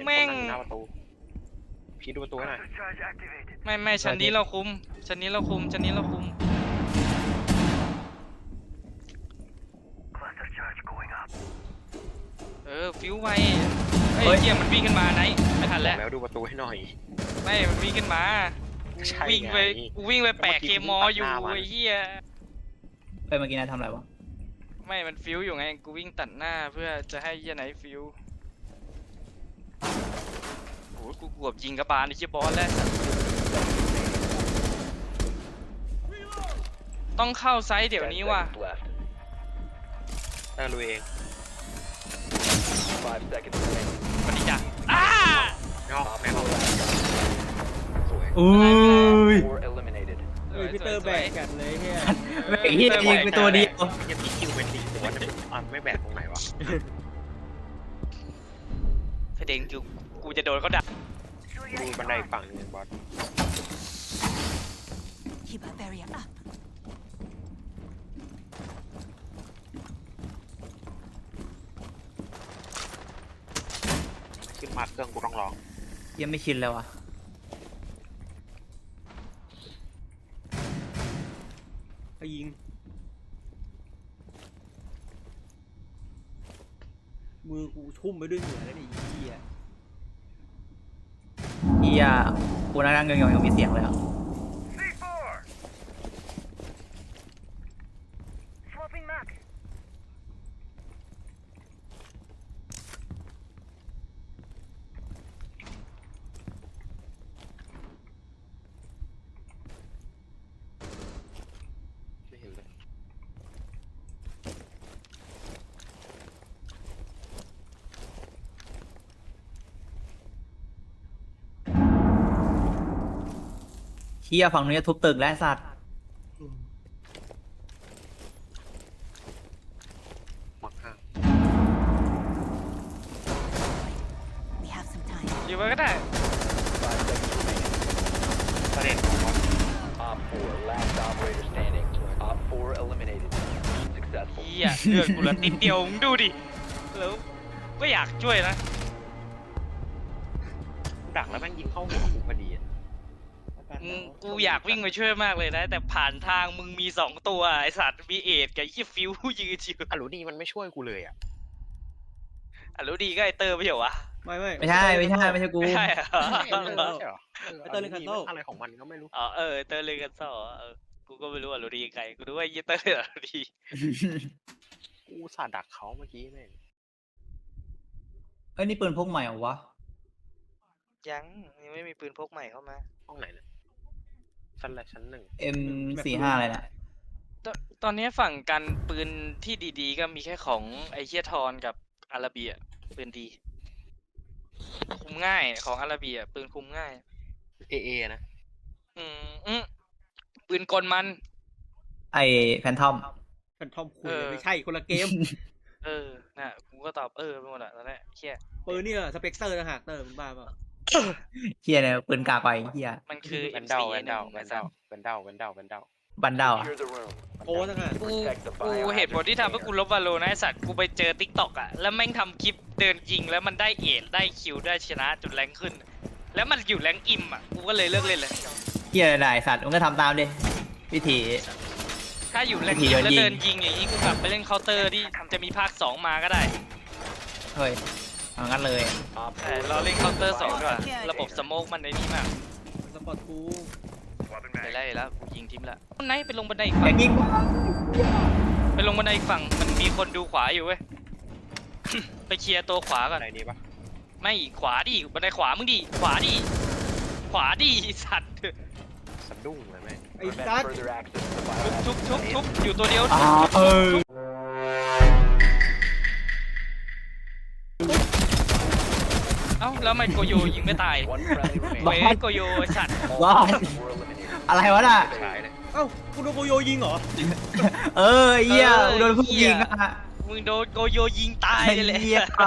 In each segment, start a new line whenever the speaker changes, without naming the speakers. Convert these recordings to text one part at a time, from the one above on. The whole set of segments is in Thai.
แม่ง
หน้าประตูพี่ดูประตูให้หน่อย
ไม่ชั้นนี้เราคุมชั้นนี้เราคุมฟิวไวเฮ้ยเกียร์มันวิ่งขึ้นมาไหนไม่ทันแล้ว
ดูประตูให้หน่อย
ไม่มันวิ่งขึ้นมาวิ่งไปแปะเคมออยู่ไอ้เหี้ย
เมื่อกี้นายทำอะไรวะ
ไม่มันฟิวอยู่ไงกูวิ่งตัดหน้าเพื่อจะให้เหี้ยไหนฟิวโอ้กูกวบยิงกระบาลไอ้เหี้ยบอสแล้วต้องเข้าไซส์เดี๋ยวนี้ว่ะ
ลุยเอง
มันดีจ้ะอ้า
แม่งสวย
อุ้ย
พี่เตอร์แบกกันเลยเฮีย
แบกเฮียยิงไปตัวเดียว
ยังมีคิวเป็นดีแต่ว่าไม่แบกตรงไหนวะ
แสดงกูจะโดนเขาดัก
ดูบันไดฝั่งนึงบอสขึ้นมาเครื่องกูต้องลอง
ยังไม่ชินเลยวะ
ยิงมือกูชุ่มไปด้วยเหงื่อแล้วนี่เฮีย
กูนั่งเงยยังมีเสียงเลยอ่ะเฮียฝั่งนี้ทุบตึกและสัตว์
อยู่ไปก็ได้
ประเด็น
เหี้ยเลือดกูเหลือติดเดียวมึงดูดิแล้วก็อยากช่วยนะ
ดักแล้วแม่งยิงเข้าหัวกูพอดี
กูอยากวิ่งไปช่วยมากเลยนะแต่ผ่านทางมึงมี2ตัวไอสัตว์มีเอทกับยี่ฟิวยืนชิว
อลูดีมันไม่ช่วยกูเลยอ่ะ
อลูดีก็ไอเตอร์ไม่ใช่วะ
ไม่ใช่กู
ไม่ใช่
ไอเตอร์เลนคันโต
อะไรของมันก็ไม่รู้
เตอร์เลนคันโตกูก็ไม่รู้อลูดีไงกูรู้ว่ายี่เตอร์อลูดี
กูสาดักเขาเมื่อกี้แม่ง
นี่ปืนพกใหม่เหรอวะ
ยังไม่มีปืนพกใหม่เข้ามา
ห้องไหนเนี่ยชั้น 1
M45อะไรนะ
ตอนนี้ฝั่งกันปืนที่ดีๆก็มีแค่ของไอเชียทอนกับอาราเบียปืนดีคุมง่ายของอาราเบียปืนคุมง่าย
เอนะ
ปืนกลมัน
ไอแฟนทอม
คุยไม่ใช่คนละเกม
น่ะกูก็ตอบไปหมดอ่ะตอนนี้เชี่ย
ปืนนี่สเปกเตอร์นะฮะเตอร์มึงบ้าเปล่า
เฮียเนี่ยปืนกาไปเฮีย
มันคือ
บันเดา
โอ้ทั้งนั้น
กูเหตุผลที่ทำให้กูลบวาโลนะไอสัตว์กูไปเจอทิกตอกอ่ะแล้วแม่งทำคลิปเดินยิงแล้วมันได้เอทได้คิวได้ชนะจุดแรงขึ้นแล้วมันอยู่แรงอิมอ่ะกูก็เลยเลิกเล่นเลย
เฮียได้สัตว์มึงก็ทำตามดิวิธี
ถ้าอยู่แรงอิมแล้วเดินยิงอย่างนี้กูกลับไปเล่นเคาน์เตอร์ที่จะมีภาค2มาก็ได้
เฮ้ยงั้นเลย
เราเล่นเคาน์เตอร์2ด้วยระบบสโมกมันในนี้มาก
สปอร์ตกู
ไปไล่แล้วยิงทิมละไหนไปลงบันไดอีกฝั่งไปลงบันไดอีกฝั่งมันมีคนดูขวาอยู่เว้ยไปเคลียร์ตัวขวาก่อน
ไหนดีปะ
ไม่ขวาดิบันไดขวามึงดิขวาดิสัตว์
สะดุ้งเลยแม่
ไอ้สัตว์
ทุบอยู่ตัวเดียวเอ้าแล้วทำไมโกโยยิงไม่ตายเว้ยโกโยสัตว์
อะไรวะน่ะ
เอ้าคุณโดนโกโยยิงเหรอ
เหี้ยโดนผู้ยิงอ่ะ
มึงโดนโกโยยิงตายเลย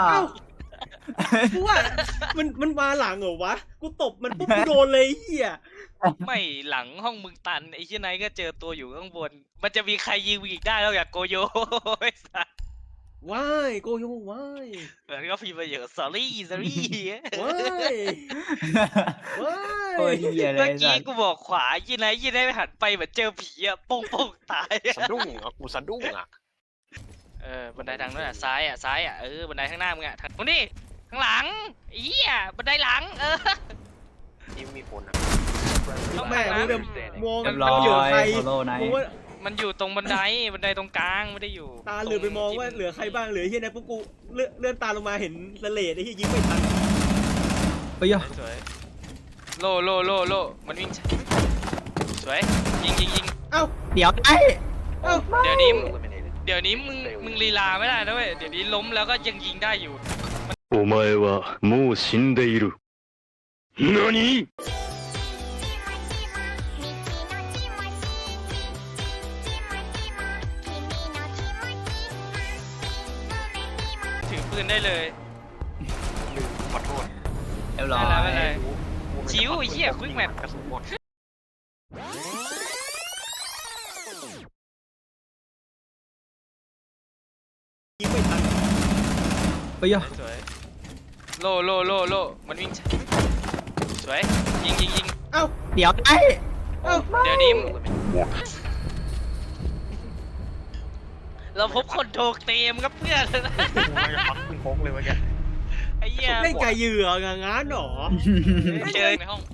กูว่ามันมาหลังเหรอวะกูตบมันปุ๊บโดนเลยเหี้ย
ไม่หลังห้องมึงตันไอ้เหี้ยไหนก็เจอตัวอยู่ข้างบนมันจะมีใครยิงอีกได้แล้วอยากโกโยไอ้สัส
ว้ายโกโยว้าย
แล้วก็พิมพ์มาเยอะ sorry sorry
ว้ายว้าย
โคตรเหี้ยเล
เมื่อย กี้
สัตว์
กูบอกขวายี่ไหนยี่ไหนไปหันไปเหมือนเจอผีอะโป้งโป้งตายอะ
สะดุ้งอ่ะกูสะดุ้งอ่ะ
บันไดทางนู้นอะซ้ายอะบันไดข้างหน้ามึงอะทางนู้นนี่ข้างหลังเหี้ยบันไดหลัง
ที่มีคนอ่ะ
ต้อง
แม่
มา
มึงเดิมมอง
เรี
มั
ย
น
บร้อ
อยู่กับ
ย
ใคร
โซโล่ไน
มึง
ท์
ว่า
มันอยู่ตรงบันไดตรงกลางไม่ได้อยู่
ตาเหลือไปมองว่าเหลือใครบ้างเหลือเฮียนะพวกกูเลื่อนตาลงมาเห็นสเลดไอ้เฮียยิงไม่ทัน
เฮ้ย
สวยโลมันวิ่งสวยยิง
เอ้า
เดี๋ยวไอ้
เอ้า
เดี๋ยวนี้มึงลีลาไม่ได้นะเว้ยเดี๋ยวนี้ล้มแล้วก็ยังยิงได้อยู่
お前はもう死んでいる。何？
ถือปืนได้เลย
ลืมขอโทษ
เรียบร้อย
ไม่เป็นไร ชิวไอ้เหี้ย quick map
กระสุนหมด
ยิงไม่ทัน
เฮ้ย
สวยโลมันวิ่งสวยยิง
เอ้า
เดี๋ยวไอ้
เอ้า
เดี๋ยวนี้เราพบคนโทรเตมครับเพื่อน
กูไม่พักมึงโค้งเลยเมื่อกี้
ไอ้เหี้ย
เล่นไก่เหยื่องานหรอ
เจอในห้อง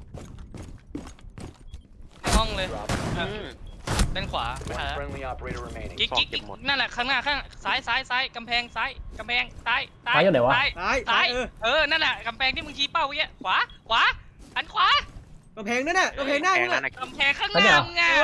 เลยด้านขวาไปหากิ๊กนั่นแหละข้างหน้าซ้ายกำแพงซ้ายซ้ายอยู่ไหนวะซ้ายนั่นแหละกำแพงที่มึงชี้เป้าเมื่อกี้ขวาหันขวาก
ำแพงนั่นน่ะกำแพงหน้ามึง
นั่
อะ
นน่ะ
กำแพงข้างหน้ามึงไง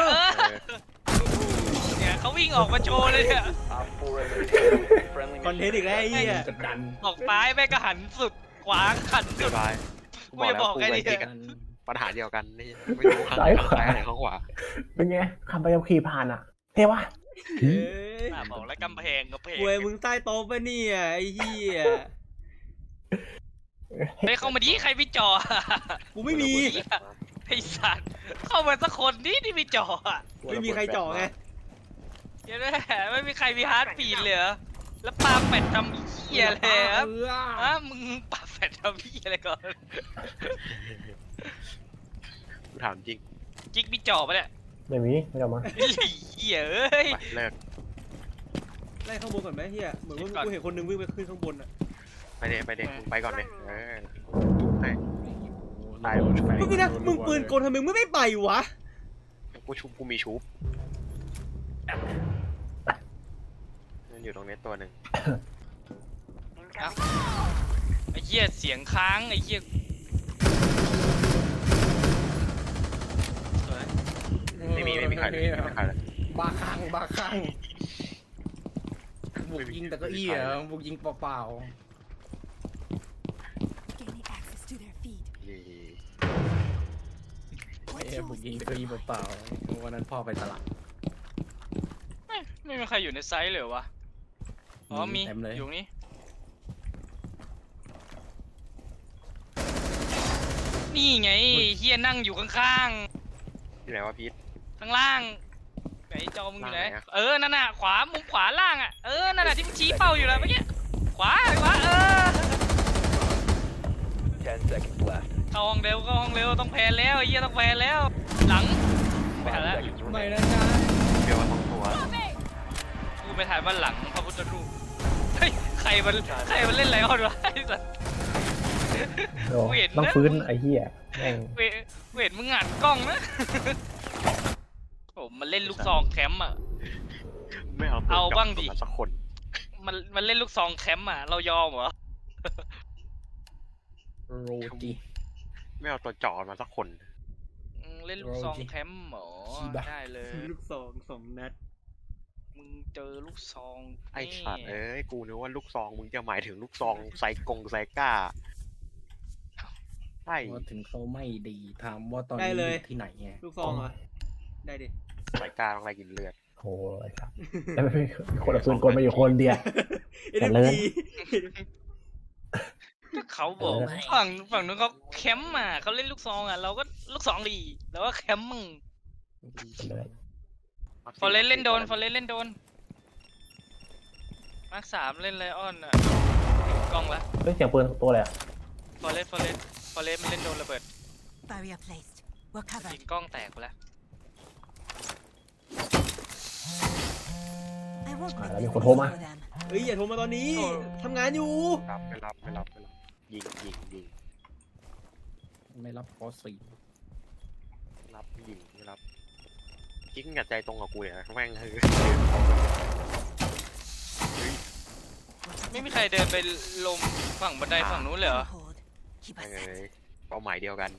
เนี่ยเขาวิ่งออกมาโชว์เลยเนี่ย
คอนเทนต์อีกแล้วไอ้เหี้ย
ออกซ้ายแม่งก็หันสุดขวาหัน
เรี
สุ
ย
ด
บร้อยกูบอกแล้ว
กูจะบอก
กู
ไง
ไป
ดี
ที่กันปัญหาเดียวกันนี่ไม่รู้ข้าง
ซ้ายขวา
ไหนข้างขวา
เป็นไงขับไปขับขี่ผ่านอ่ะ เท่ปะ
เอ้ย
บอกแล้วกำแพง
ป่วยมึงใต้โต๊ะปะเนี่ยไอ้เหี้ย
ไปเข้ามาดิใครพี่จอ
กูไม่มี
ไอ้สัตว์เข้ามาสักคนที่มีจออ่ะ
ไม่มีใครเจ่อไง
เดี๋ยวนะไม่มีใครมีฮาร์ดปีดเลยเหรอแล้วปาเป็ดทำเหี้ยเลยครับมึงปาเป็ดทำเหี้ยอะไรก่อน
กูถามจริง
จิ๊กพี่จอปะเนี่ย
ไม่มีไม่เอามา
เหี้ยเอ้ย
ไปเลิก
ไล่ข้างบนก่อนไหมเฮียเหมือนว่า
ก่อน
กูเห็นคนนึงวิ่งไปขึ้นข้างบนอะ
ไปเด็มึงไปก่อนเลยให้ตาย
มึงนะมึงปืนกลทำไมมึงไม่ไปวะ
กูมีชุบมันอยู่ตรงนี้ตัวหนึ่ง
ไอ้เหี้ยเสียงค้างไอ้เหี้ยสวย
ไม่มีใครเลยไม่มีใครเลย
บ้าคลั่งบุกยิงแต่เก็อี้เหรอบุกยิงเปล่า
Gaining access to their feed.
ๆบุกยิงแต่เก็อี้เปล่าๆวันนั้นพ่อไปตลาด
ไม่มีใครอยู่ในไซส์เลยเหรอวะอ๋อมี
เต็มเลย
อยู่นี่นี่ไงเฮียนั่งอยู่ข้าง
ที่ไหนวะพีท
ๆข้างล่างไหนจอมึงอยู่ไหน
ล่างไหนอะ
นั่นน่ะขวามุมขวาล่างอ่ะนั่นน่ะที่มึงชี้เป้าอยู่แล้วเมื่อกี้ขวาเข้าห้องเร็วต้องแพนแล้วไอ้เหี้ยต้องแพนแล้วหลังไปหาแล้ว
ไม่นะจ๊ะ
เดียวสองตัว
กูไปถ่ายบ้านหลังพระพุทธรูปเฮ้ยใครมันเล่นอะไรกันวะไอ้สัส
โอ้
เห็นนะ
ต้องฟื้นไอ้เหี้ยแม่ง
เวทมึงหันกล้องนะโอ้มันเล่นลูกซองแคมป์อ่ะ
ไม่เอา
เอาบ้างดิ
สักคน
มันเล่นลูกซองแคมป์อ่ะเรายอมเหรอ
โรจี
ไม่เอาตัวจ่อมาสักคน
เล่นลูกซองแคมป์เหรอได้เลย
ลูกซอง2 นัด
มึงเจอลูกซอง
ไอ้สัตว์กูนึกว่าลูกซองมึงจะหมายถึงลูกซองไซก้าใช่
ว่าถึงเขาไม่ดีถามว่าตอน
ได้
นี้
เลย
อยู่ที่ไหนไง
ลูกซองเหรอได้ดิ
ไซก้าต้องไล่กินเลือด
โอ้ยไอ้สัสแล้วไม่มีคนเอาปืนกลมาอยู่คนเดียว
เอ็น
เลิ
เอ็
ศ
ก็เขาบอกฝั่งนู้นเขาแคมป์อ่ะเขาเล่นลูกซองอ่ะเราก็ลูกซองดีแล้วก็แคมป์มึง
เลย
ฟอร์เรนเล่นโดนมาร์ค3เล่นไลออนอ่ะกล้องละ
เฮ้ยเสียงปืนตัวอะไรอะ
ฟอเรสมันเล่นโดนระเบิด
Barrier placed. We're
ยิ
covered.
งกล้องแตกไปแล้ว
I won't
อ่า
make
แล้ว
this
มีคนโทร
easy
มา
for them.
เฮ้ยอย่าโทรมาตอนนี้ทำงานอยู่
รับไม่รับยิง
ไม่รับคอสี่
รับยิงไม่รับกิ๊กกับใจตรงกับกูเนี่ยแม่งคือ
ไม่มีใครเดินไปลมฝั่งบันไดฝั่งนู้นเลยเหรอ
Hold. Keep
แม่
us
งเล
set.
ยเป้าหมายเดียวกัน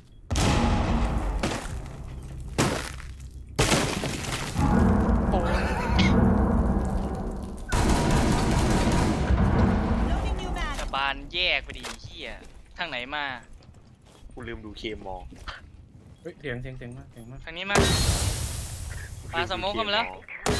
Loading new mag.
แต่บานแยกไปดีเฮียทางไหนมา
กูลืมดูเคมอ
เฮ้ยเสียงมาก
ทางนี้มา ปาสโมกเข้ามาแล้ว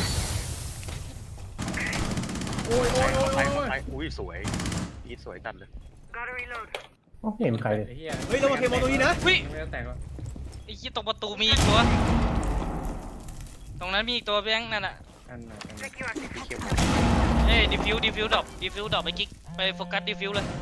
โอ้ย
ไปอุ้ยสวยอีทสวยจัดเลย
อ๋อไม่เห็นมีใครเลย
ไอ้เหี้ย
เฮ้ยเรามาเคมองตรงนี้นะ
เฮ้ย
ไม่ได้แตกวะ
ไอ้เหี้ยตรงประตูมีอีกตัว ตรงนั้นมีอีกตัวแบงค์นั่นน่ะ
กันหน่อย
พี่เคมอ
เอ้ยดิฟิวดรอปไปกิ๊กไปโฟกัสดิฟิวเลย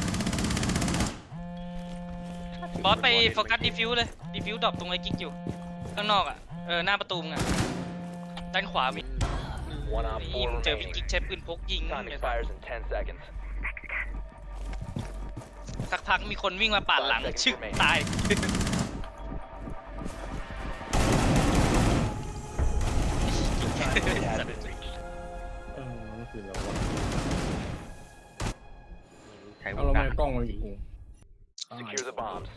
บอสไปโฟกัสดิฟิวเลยดิฟิวดรอปตรงไอ้กิ๊กอยู่ข้างนอกอ่ะหน้าประตูมึงอ่ะด้านขวามียิงเจอพี่กิ๊กใช้ปืนพกยิงสักพักมีคนวิ่งมาปาดหลังชึกตาย
นั่นคือเรา
ใช้
เอา
ว
เรา
ง
ไม่
การ
กล้องมาอยู่กู
Secure the bombs.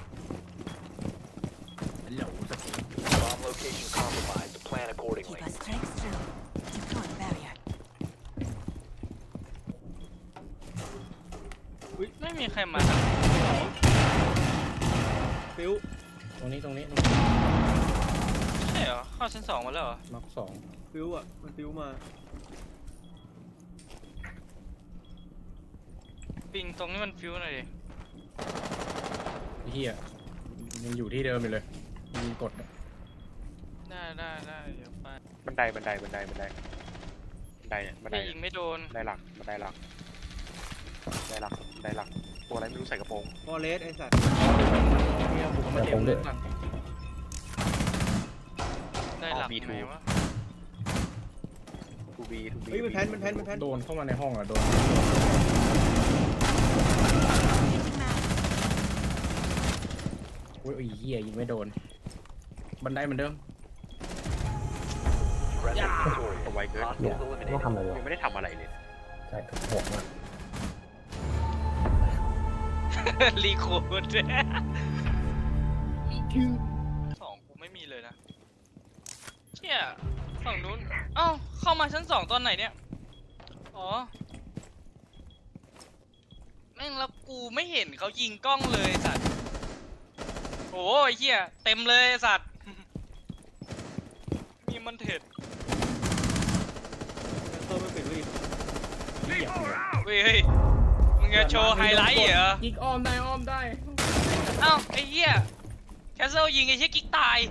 ฮัลโหลสกิล
Bomb location compromised. Plan
Keep
accordingly.
us strength through. Deploy barrier.
ไม่มีใครมาทาง
ฟิว
ตรงนี้
ใช่เหรอเข้าชั้น2มาแล้วเหรอ
น็อกสอง
ฟิวอ่ะมันฟิวมา
ปิงตรงนี้มันฟิวหน่อยดิ
ไอ้เหี้ยยังอยู่ที่เดิมอยู่เลยยิงกด
ได้เดี๋ยวไป
บันไดเนี่ยบันได
ไม่ยิงไม่โดน
บันไดหลักตัวอะไรไม่รู้ใส่กระโปรง
ฟอเรสไอ้สัตว์
เหี้ยบุกมาเต็มเลย
ได้หลักไหนวะ
ทูบี
เฮ้ยมันแพน
โดนเข้ามาในห้องอ่ะโดน
Changing mag.
อุ้ยไอ้เหี้ยยิงไม่โดน บันไดเหมือนเดิม
Friendly victorious.
ตัวไวเกิน
เนี่ย
Hostiles
ไม่ต้อง
eliminated.
ทำอะไรเลย
ยังไม่ได้ทำอะไรเลย
ใช่โหดมาก
รีโคดสองกูไม่มีเลยนะเชี่ยฝั่งนู้นเอ้าเข้ามาชั้น2ตอนไหนเนี่ยอ๋อแม่งแล้วกูไม่เห็นเขายิงกล้องเลยสัตว์โอ้ยเหี้ยเต็มเลยสัตว์มีมันเถิด
เออมันปิดไว้ดิ
เฮ้ยมึงจะโชว์ไฮไลท์เหรอ
ยิงอ้อมได้
เอ้าไอ้เหี้ยแคสเซิลยิงไอ้เหี้ยกิ๊กตาย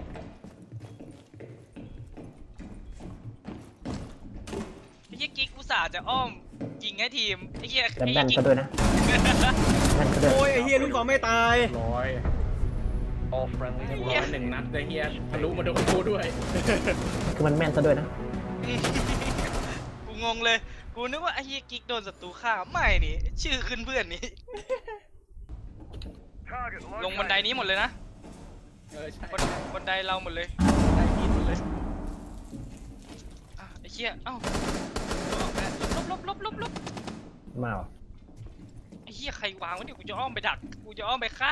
ไอ้เหี้ยกิ๊กอุตส่าห์จะอ้อมยิงให้ทีมไอ้เหี้ย
แล้ว
ไอ้
แม่น
กิ๊
ก็
ก
ด้วยนะแม่นก็ด้วย
โอ้ยไอ้เฮียลูกซองไม่ตาย
ร้อย
All friendlies
ร้อยหนึ่งนัดเลยเฮียทะลุมาโดนกูด้วย
คือมันแม่นซะด้วยนะ
กูงงเลยกูนึกว่าไอ้เหี้ยกิ๊กโดนศัตรูฆ่าไม่นี่ชื่อขึ้นเพื่อนนี่ลงบันไดนี้หมดเลยนะ
ใช่
บันไดเราหมดเลย
ได้ยินหมดเลย
อ่ะไอ้เหี้ยเอ้าลบ
มาเหรอ
ไอ้เหี้ยใครวางวะเนี่ยกูจะอ้อมไปดักกูจะอ้อมไปฆ่า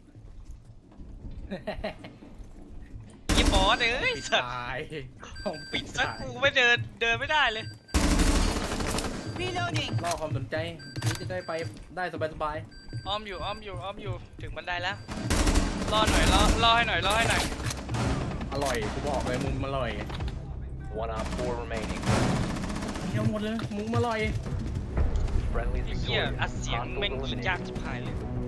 ยี่บอสเอ้ยสัตว์
ตายห้อง
ปิดซะกูไม่เดินไม่ได้เลย
Reloading.
ล่อความสนใจนี่จะได้ไปได้สบาย
อ้อมอยู่ถึงบันไดแล้วรอหน่อยรอให้หน่อย
ๆอร่อยกูบอกเลยมุมอร่อย
One op 4 remaining.
เที่ยวหมดเลยมุมอร่อย
Friendlies
ไอ้เหี้ย
victorious.
อัดเสียง
Hostiles
แม่งยิงยาก
eliminated.
ชิบหายเลย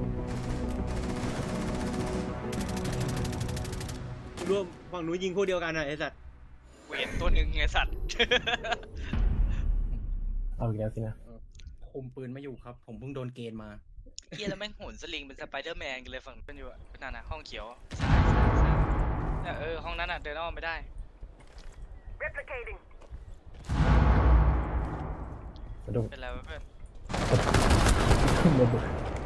รวมฝั่งหนูยิงพวกเดียวกันอ่ะไอ้สัตว์
กูเห็นตัวหนึ่งไงสัตว์ เ
เ
หี้ย
ออ
บอสเอ้ยสัตว์
ใช่
กูงงเลยกูนึกว่าไอ้เหี้ยกิ๊กโดนศัตรูฆ่าไม่นี่ชื่อขึ้นเพื่อนนี่
ไ
เอาอีกแล้วสินะ
คุมปืนไม่อยู่ครับ ผมเพิ่งโดนเกณฑ์มา
เฮียแล้วแม่งโหนสลิงเป็นสไปเดอร์แมนกันเลยฝั่งเป็นอยู่อะนั่นน่ะห้องเขียวซ้ายเนี่ยห้องนั้นอ่ะเดินอ้อมไปได้
สะดุ้ง
เป็นไรวะเพื่อน
ระเบิด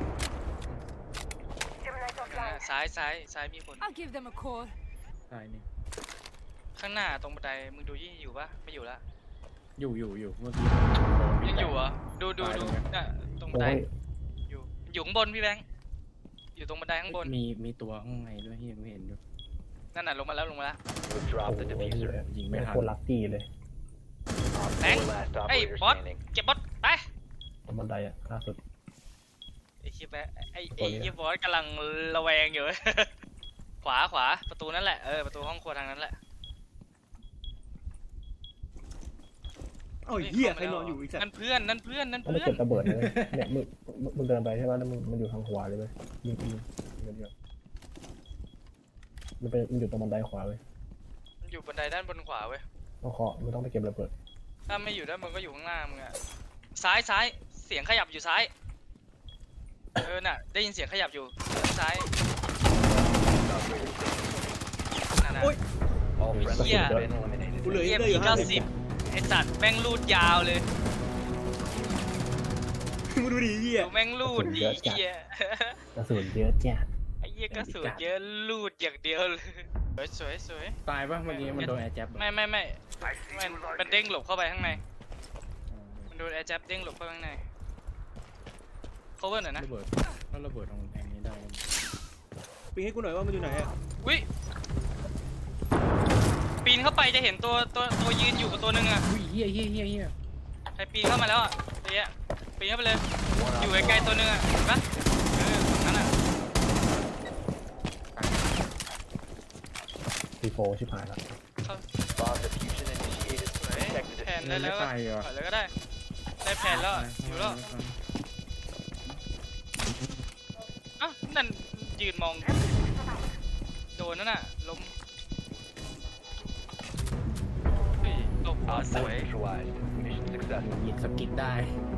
ซ้ายมีคน
I'll give them a call.
ใช่นี่
ข้างหน้าตรงบันไดมึงดูยี่อยู่ปะไม่อยู่ละ
อยู่เมื่อกี้
ยังอยู่เหรอดูน่ะตรงบัน
โอ้
ได
ย
อยู่ข้างบนพี่แบงค์อยู่ตรงบันไดข้างบน
มีตัวข้างในด้วยที่ยังไม่เห็นอยู่
นั่นน่ะลงมาแล้ว
โอ้ย
ยิงไม่ทัน
โคตรลัคกี้เลย
แบงค์ไอ้บอสเก็บบอสไป
ตรงบันไดอะล่าสุด
ไอ้เฮียแบงค์ไอ้เฮียบอสกำลังระแวงอยู่ ขวาประตูนั่นแหละประตูห้องครัวทางนั้นแหละ
เอ้าเหี้ยใครนอนอยู่อีกสัต
นั่
ว์
นเพื่อน
มันไม่เก็บระเบิดเลยเนี่ยมึงเดินไปใช่ไหมแล้วมันอยู่ทางขวาเลยเว้ยยิงเดียวมันอยู่ตรงบันไดขวาเว้ย
มันอยู่บันไดด้านบนขวาเว้ย
ต้องเคาะไม่ต้องไปเก็บระเบิด
ถ้าไม่อยู่ด้านบนก็อยู่ข้างหน้ามึงอะซ้ายเสียงขยับอยู่ซ้ายน่ะได้ยินเสียงขยับอยู่ซ้ายนั่นน่ะ
โอ้ย
เหี้ย
กูเหลือ
เยี่ยม
อยู่
มี
50
90ไอ้สัตว์แม่งรูดยาวเลย
มึงดูดิเหี้ย
ดูแม่งรูดดีเหี้ย
กระสุนเยอะจ้ะ
ไอ้เหี้ยก็สวยเยอะรูดอย่างเดียวเลยสวย
ตายปะเมื่อกี้มันโดนแอร์แจ็บ
ไม่มันเด้งหลบเข้าไปข้างในมันโดนแอร์แจ็บเด้งหลบเข้าไปข้างใน cover หน่อยนะ
ระเบิดถ้าระเบิดตรงแทงนี้ได้
ปีให้กูหน่อยว่ามันอยู่ไหนอะ
วิปีนเข้าไปจะเห็นตัวยืนอยู่กับตัวหนึงอะ
อุ้ยเฮีย
ใครปีนเข้ามาแล้วอะตัวเนี้ยปีนเข้าไปเลยอยู่ใกล้ๆตัวหนึงอะเห็นปะตรงนั้นอะ
ซีโฟชิบหายแล้ว
สวยแผนได้แล้ว
ตายเหรอ
ถอยเลยก็ได้ได้แผนแล้วอะอยู่แล้วอ้าวนั่นยืนมองโดนนั่นน่ะล้มเฮ้ยตบสวย
ยิงสกิดได้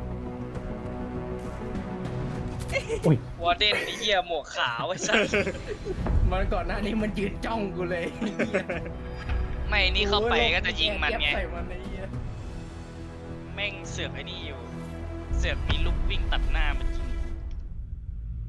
อุ้ยว
อร์เดนไอ้เหี้ยหมวกขาวไอ้สัส
มันก่อนหน้านี้มันยืนจ้องกูเลย
ไม่นี่เข้าไปก็จะยิงมันไง
ใส่มันไอ้เหี้ย
แม่งเสือกไอ้นี่อยู่ เสือกมีลูกวิ่งตัดหน้าเมื่อกี้